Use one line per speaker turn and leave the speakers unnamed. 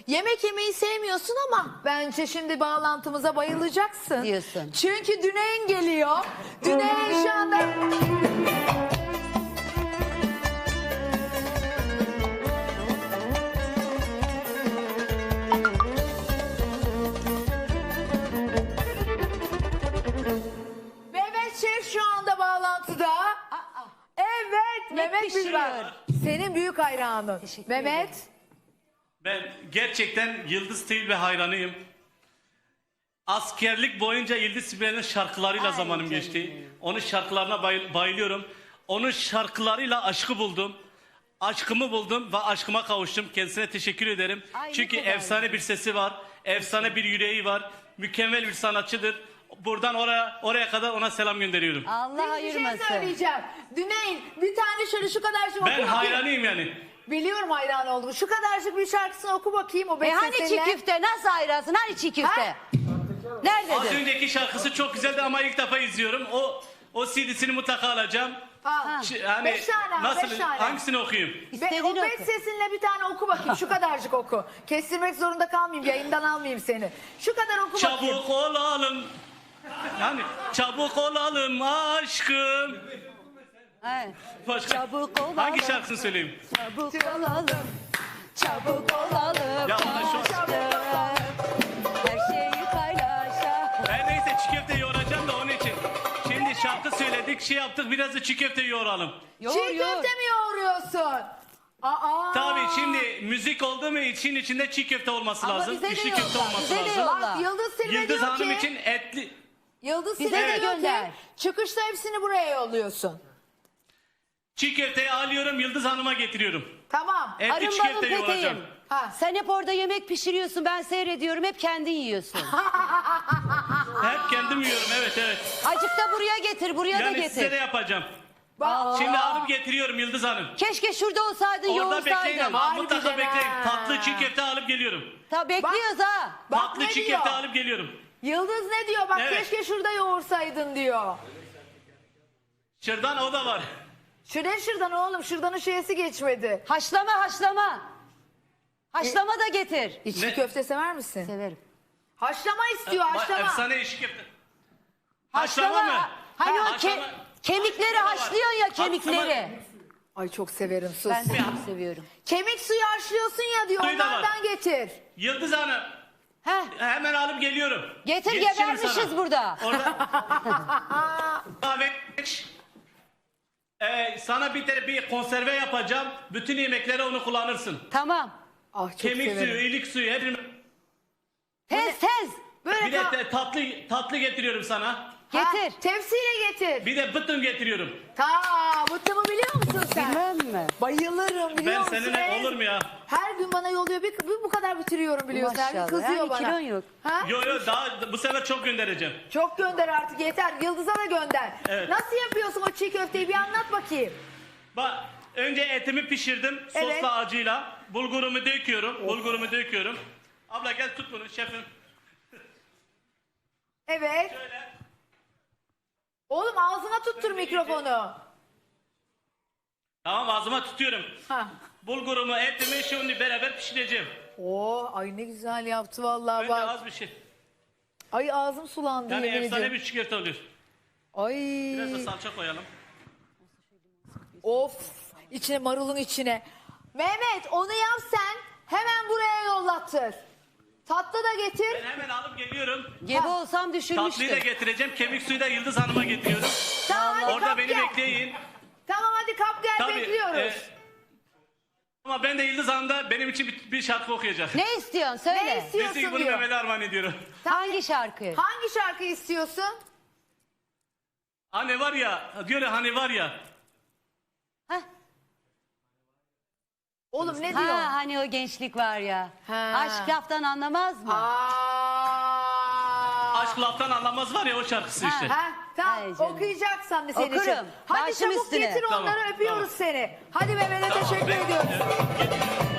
Yemek yemeyi sevmiyorsun ama bence şimdi bağlantımıza bayılacaksın.
Diyorsun.
Çünkü Düneyn geliyor. Düneyn şu anda... Mehmet Şef şu anda bağlantıda. Evet, Mehmet
pişiriyor?
Bilber. Senin büyük hayranın.
Teşekkür
Mehmet.
ederim.
Ben gerçekten Yıldız Tilbe hayranıyım. Askerlik boyunca Yıldız Tilbe'nin şarkılarıyla
Ay
zamanım
canım
geçti.
benim.
Onun şarkılarına bayılıyorum. Onun şarkılarıyla aşkı buldum. Aşkımı buldum ve aşkıma kavuştum. Kendisine teşekkür ederim.
Ay, ne
Çünkü
kadar
efsane bir sesi var. Efsane bir yüreği var. Mükemmel bir sanatçıdır. Buradan oraya kadar ona selam gönderiyorum.
Allah
Bir şey
ayırmasın.
söyleyeceğim. Düneyn bir tane şöyle şu kadarcık oku
Ben
bakayım.
hayranıyım yani.
Biliyorum hayran oldum. Şu kadarcık bir şarkısını oku bakayım o
Hani çiğ
bestesiyle.
köfte nasıl ayırarsın? Hani çiğ köfte?
Ha?
Az
Nerededir?
önceki şarkısı çok güzeldi ama ilk defa izliyorum. O CD'sini mutlaka alacağım.
Ha.
Yani
5 tane,
nasıl,
5 tane.
hangisini okuyayım?
Ve
İstediğini
o
oku.
bet sesinle bir tane oku bakayım. Şu kadarcık oku. Kestirmek zorunda kalmayayım. Yayından almayayım seni. Şu kadar oku bakayım.
Çabuk olalım. Yani çabuk olalım aşkım.
Evet.
Başka,
Çabuk olalım.
hangi şarkısını söyleyeyim?
Çabuk olalım. Çabuk olalım.
Ya ona şu-
aşkım. Her şeyi paylaşalım.
Ben neyse çiğ köfte yoğuracağım da onun için. Şimdi şarkı söyledik, şey yaptık, biraz da çiğ köfte yoğuralım.
Yoğur,
Çiğ
yoğur.
köfte mi yoğuruyorsun? Aa.
Tabii şimdi müzik oldu mu için içinde çiğ köfte olması
Ama
lazım.
bize de
İçli
yolla,
köfte olması
bize de
lazım.
yolla.
Bak Yıldız Silve
Yıldız
diyor
Hanım
ki.
için etli.
Yıldız
Bize
Silve
de
diyor
gönder.
ki. Çıkışta hepsini buraya yolluyorsun.
Çiğ köfteyi alıyorum, Yıldız Hanım'a getiriyorum.
Tamam.
Etli çiğ
Arın balın
köfte yoğuracağım.
peteğim.
Ha.
Sen hep orada yemek pişiriyorsun, ben seyrediyorum, hep kendin yiyorsun.
Hep kendim yiyorum, evet.
Acık da buraya getir, buraya da
Yani
getir.
size de yapacağım.
Bak.
Şimdi alıp getiriyorum Yıldız Hanım.
Keşke şurada olsaydın,
Orada bekleyin
yoğursaydın.
ama
Harbiden
mutlaka bekleyin.
ha.
Tatlı çiğ köfte alıp geliyorum.
Ta bekliyoruz ha.
Bak
Tatlı
ne
çiğ
diyor?
köfte alıp geliyorum.
Yıldız ne diyor? Bak
Evet.
keşke şurada yoğursaydın diyor.
Şırdan o da var.
Şırdan oğlum. Şırdanın şeysi geçmedi.
Haşlama, haşlama. Haşlama da getir.
İçli
Ne?
köfte sever misin?
Severim.
Haşlama istiyor haşlama.
Efsane içli köfte. Haşlama mı?
Hani o
Haşlama.
kemikleri haşlıyorsun ya, kemikleri.
Ay çok severim sus.
Ben de çok seviyorum.
Kemik suyu haşlıyorsun ya diyor.
Suyu da var.
Onlardan getir.
Yıldız Hanım
Heh,
hemen alıp geliyorum.
getir,
Yetişirim
gebermişiz
sana.
burada.
Orada. Kahve. Sana bir konserve yapacağım. Bütün yemeklere onu kullanırsın.
Tamam.
Ah çok
Kemik
severim.
suyu, iyilik suyu. Hepsini...
Tez tez.
Böyle
Bir de tatlı getiriyorum sana.
Getir.
Tepsiyle getir.
Bir de bıttım getiriyorum.
Bıttımı biliyor musun sen?
Bilmem mi?
Bayılırım biliyor
Ben
musun?
seninle olur mu ya?
Her gün bana yolluyor. Bir bu kadar bitiriyorum biliyorsun. Her gün
Maşallah.
kızıyor
Yani
bana.
kilon yok.
Ha?
Yo daha bu sefer çok göndereceğim.
Çok gönder artık yeter. Yıldız'a da gönder.
Evet.
Nasıl yapıyorsun o çiğ köfteyi bir anlat bakayım.
Bak önce etimi pişirdim
Evet.
sosla acıyla. Bulgurumu döküyorum. Abla gel tut bunu şefim.
Evet.
Şöyle.
Oğlum ağzına tuttur mikrofonu.
Tamam ağzıma tutuyorum.
Ha.
Bulgurumu, etimi şimdi beraber pişireceğim.
Oo, ay ne güzel yaptı vallahi
Önce
bak.
az bir şey.
Ay ağzım sulandı
Yani
yemin
efsane
ediyorum.
bir çiğ köfte oluyor.
Ay.
Biraz da salça koyalım.
Of. İçine marulun içine. Mehmet onu yap sen. Hemen buraya yollattır. Tatlı da getir.
Ben hemen alıp geliyorum.
Gebe olsam
Tatlıyı da
düşürmüştüm.
getireceğim. Kemik suyu da Yıldız Hanım'a getiriyorum.
Tamam hadi
Orada
kap
beni
gel.
bekleyin.
Tamam hadi kap gel
Tabii.
bekliyoruz.
Ama ben de Yıldız Hanım'da benim için bir şarkı okuyacak.
Ne istiyorsun? Söyle.
Ne istiyorsun
Biz bunu
diyor.
Mehmet'e armağan ediyorum.
Hangi şarkı?
Hangi şarkı istiyorsun?
Hani var ya, diyor ya hani var ya.
Heh.
Oğlum ne diyor?
Ha, hani o gençlik var ya.
Ha.
Aşk laftan anlamaz mı?
Aşk laftan anlamaz var ya o şarkısı
Ha,
işte.
Ha, tamam
Ay canım.
okuyacaksan senin için.
Okurum.
Hadi
Başım
çabuk
üstüne.
getir onları
Tamam,
öpüyoruz
tamam.
seni. Hadi Mehmet'e teşekkür ediyoruz.
Getiriyorum.